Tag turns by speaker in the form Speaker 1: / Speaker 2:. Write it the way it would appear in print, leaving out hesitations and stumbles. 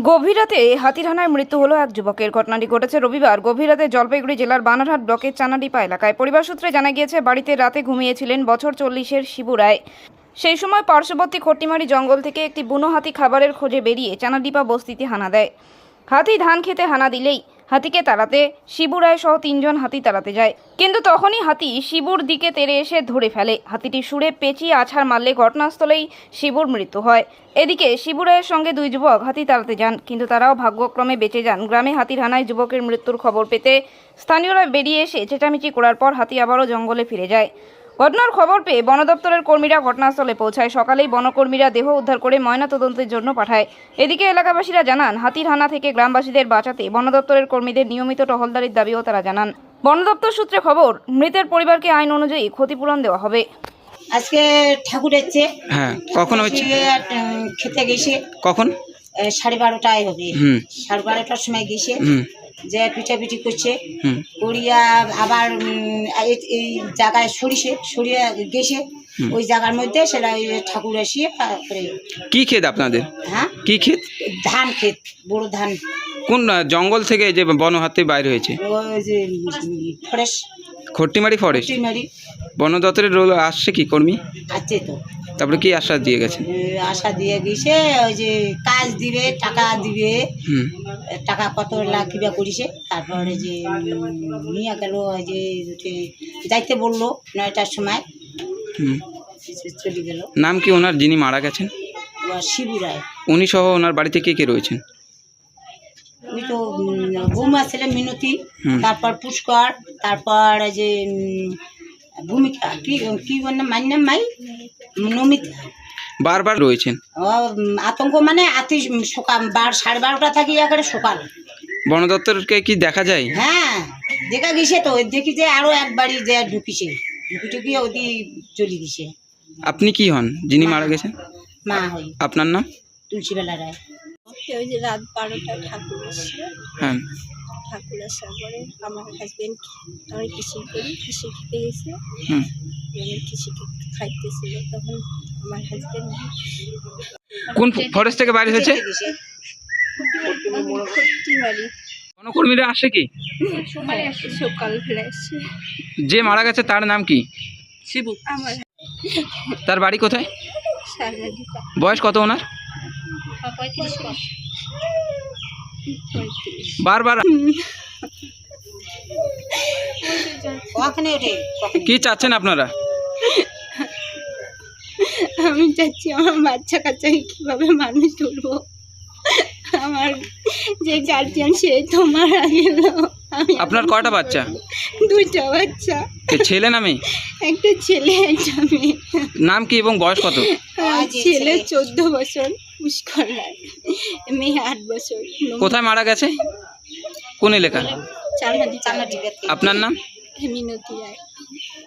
Speaker 1: গভীর রাতে হাতির হানায় মৃত্যু হলো এক যুবকের। ঘটনাটি ঘটেছে রবিবার গভীর রাতে জলপাইগুড়ি জেলার বানারহাট ব্লকের চানাডিপা এলাকায়। পরিবার সূত্রে জানা গিয়েছে, বাড়িতে রাতে ঘুমিয়েছিলেন বছর 40-এর শিবু রায়। সেই সময় পার্শ্ববর্তী খট্টিমারি জঙ্গল থেকে একটি বুনো হাতি খাবারের খোঁজে বেরিয়ে চানাডিপা বস্তিতে হানা দেয়। হাতি ধান খেতে হানা দিলেই হাতিকে তাড়াতে শিবু রায় সহ 3 জন হাতি তাড়াতে যায়, কিন্তু তখনই হাতি শিবুর দিকে তেড়ে এসে ধরে ফেলে। হাতিটি সুরে পেঁচিয়ে আছাড় মারলে ঘটনাস্থলেই শিবুর মৃত্যু হয়। এদিকে শিবু রায়ের সঙ্গে 2 যুবক হাতি তাড়াতে যান, কিন্তু তারাও ভাগ্যক্রমে বেঁচে যান। গ্রামে হাতির হানায় যুবকের মৃত্যুর খবর পেতে স্থানীয়রা বেরিয়ে এসে চেঁচামেচি করার পর হাতি আবারও জঙ্গলে ফিরে যায়। ঘটনার খবর পেয়ে বন দপ্তরের কর্মীরা ঘটনাস্থলে পৌঁছায়। সকালেই বনকর্মীরা দেহ উদ্ধার করে ময়নাতদন্তের জন্য পাঠায়। এদিকে এলাকাবাসীরা জানান, হাতির হানা থেকে গ্রামবাসীদের বাঁচাতে বন দপ্তরের কর্মীদের নিয়মিত টহলদারির দাবিও তারা জানান। বন দপ্তর সূত্রে খবর, মৃতের পরিবারকে আইন অনুযায়ী ক্ষতিপূরণ দেওয়া হবে।
Speaker 2: আজকে ঠাকুর এসছে।
Speaker 3: হ্যাঁ, কখন হচ্ছে?
Speaker 2: খেতে গেছে
Speaker 3: কখন?
Speaker 2: 12:30 হবে। 12:30টার সময় গেছে, যে পিঠাপিঠি করছে, করিয়া আবার এই জায়গায় সরিয়ে গেছে। ওই জায়গার মধ্যে সেটা ওই ঠাকুর এসে
Speaker 3: কি ক্ষেত আপনাদের?
Speaker 2: হ্যাঁ,
Speaker 3: কি ক্ষেত?
Speaker 2: ধান ক্ষেত, বড় ধান।
Speaker 3: কোন জঙ্গল থেকে যে বন হাতি বাইরে হয়েছে?
Speaker 2: ওই যে ফরেস্ট,
Speaker 3: খট্টিমারি ফরেস্ট।
Speaker 2: খট্টিমারি
Speaker 3: বন দপ্তরের রোল আসছে কি কর্মী?
Speaker 2: আছে তো।
Speaker 3: তারপরে কি আশ্বাস দিয়ে গেছেন?
Speaker 2: আশা দিয়ে গেছে, ওই যে কাজ দিবে, টাকা দিবে, টাকা কত লাখ কিবা করেছে। তারপরে যে নিয়ে গেল, ওই যে যাইতে বললো 9টার সময়, চলে গেল।
Speaker 3: নাম কি ওনার যিনি মারা গেছেন?
Speaker 2: শিবু রায়।
Speaker 3: উনি সহ ওনার বাড়িতে কে কে রয়েছেন?
Speaker 2: ওই তো বৌমা ছেলে মিনতি, তারপর পুষ্কর, তারপর যে ভূমিকা, কি বললাম, মান্নাম মাই, নমিতা
Speaker 3: বারবার রয়েছেন।
Speaker 2: আতঙ্ক মানে আতি সকাল 12:30টা থাকি একেবারে সকাল।
Speaker 3: বন দপ্তরকে কি দেখা যায়?
Speaker 2: হ্যাঁ, দেখা গেছে তো। দেখি যে আরো এক বাড়ি যে ঢুকিছে, ঢুকি ওদি চলে গেছে।
Speaker 3: আপনি কি হন যিনি মারা গেছেন?
Speaker 2: মা হই।
Speaker 3: আপনার নাম?
Speaker 2: তুলসীবেলা রায়।
Speaker 4: ওই যে রাত 12টায় ঠাকুর এসছে।
Speaker 3: হ্যাঁ,
Speaker 4: ঠাকুর আসার পরে আমার হাজবেন্ড, আমি কৃষি করি, কৃষি খেতে গেছে। কৃষি খাইতেছিল, তখন আমার হাজবেন্ড
Speaker 3: কোন ফরেস্ট থেকে বাইরে হয়েছে?
Speaker 4: খট্টিমারি
Speaker 3: বনকর্মীরা আসে কি?
Speaker 4: সকালবেলা এসছে।
Speaker 3: যে মারা গেছে তার নাম কি?
Speaker 4: শিবু। আমার
Speaker 3: তার বাড়ি কোথায়?
Speaker 4: চানাডিপা।
Speaker 3: বয়স কত ওনার?
Speaker 4: 35 বছর।
Speaker 3: বারবার কি চাচ্ছেন আপনারা?
Speaker 4: আমি চাচ্ছি আমার বাচ্চা কাচ্চাকে কীভাবে মানুষ তুলবো। আমার যে গার্জিয়ান সে তো মারা গেল।
Speaker 3: আপনার কয়টা বাচ্চা?
Speaker 4: 2টা বাচ্চা।
Speaker 3: ছেলে না মেয়ে?
Speaker 4: একটা ছেলে, একটা মেয়ে।
Speaker 3: নাম কি এবং বয়স কত?
Speaker 4: ছেলে 14 বছর, পুষ্কর রায়। মেয়ে 8 বছর।
Speaker 3: কোথায় মারা গেছে? কোন এলাকা?
Speaker 4: চানাডিপা।
Speaker 3: আপনার নাম?
Speaker 4: মিনতি রায়।